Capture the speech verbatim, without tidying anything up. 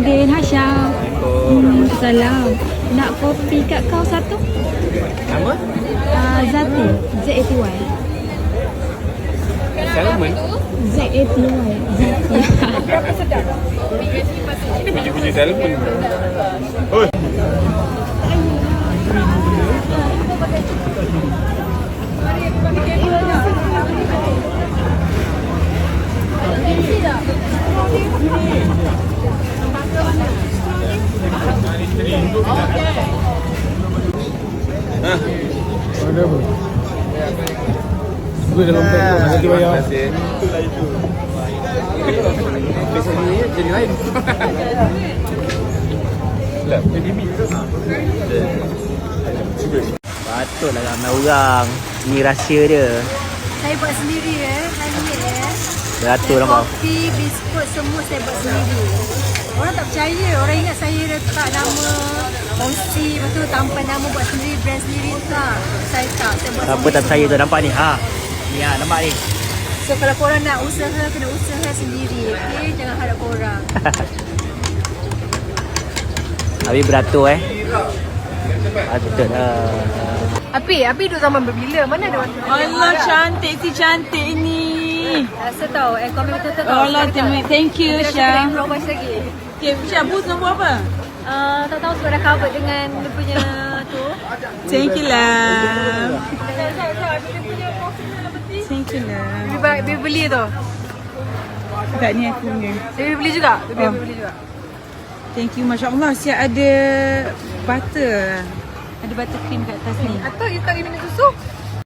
Nordin, Hasyam. Hmm, salam. Nak kopi kat kau satu? Nama? Uh, Zati. Z A T Y. Salmon? Z A T Y. Zati. Berapa sedap? Ini biji-biji salmon. Oi. Hah? Ada apa? Gue dalam tempoh nanti bayar. Terima kasih. Itulah itu. Besok ni jadi lain. Lah, jadi mi. Patutlah ramai orang. Ni rahsia dia. Saya buat sendiri eh. Handmade eh. Beratur nampak. Kopi, biskut semua saya buat sendiri. Orang tak percaya. Orang ingat saya letak nama Onsi, lepas tu tanpa nama buat sendiri, brand sendiri. Tak. Saya tak. Saya buat Siapa tak percaya tu nampak ni. Ha. Ni ha, nampak ni. So kalau korang nak usaha, kena usaha sendiri. Okay? Jangan harap korang. Habis beratur eh. Patut lah. Api, Api duduk zaman berbila. Mana ada waktu? Allah, cantik si cantik ni. Rasa tahu. Eh, komen betul-betul tahu. Allah, thank you, Syah. Syah. Rasa lagi. Okay, Syah, boost nombor apa? Uh, tak tahu sebab dah cover dengan dia punya tu. Thank you lah. Thank you lah. Bibi, bibi beli tu. Tak ni aku punya. Bibi beli juga. Bibi Oh. beli juga. Thank you, Masya Allah. Siap ada butter. Ada butter cream kat atas ni. Hmm. Atau you tak minum susu?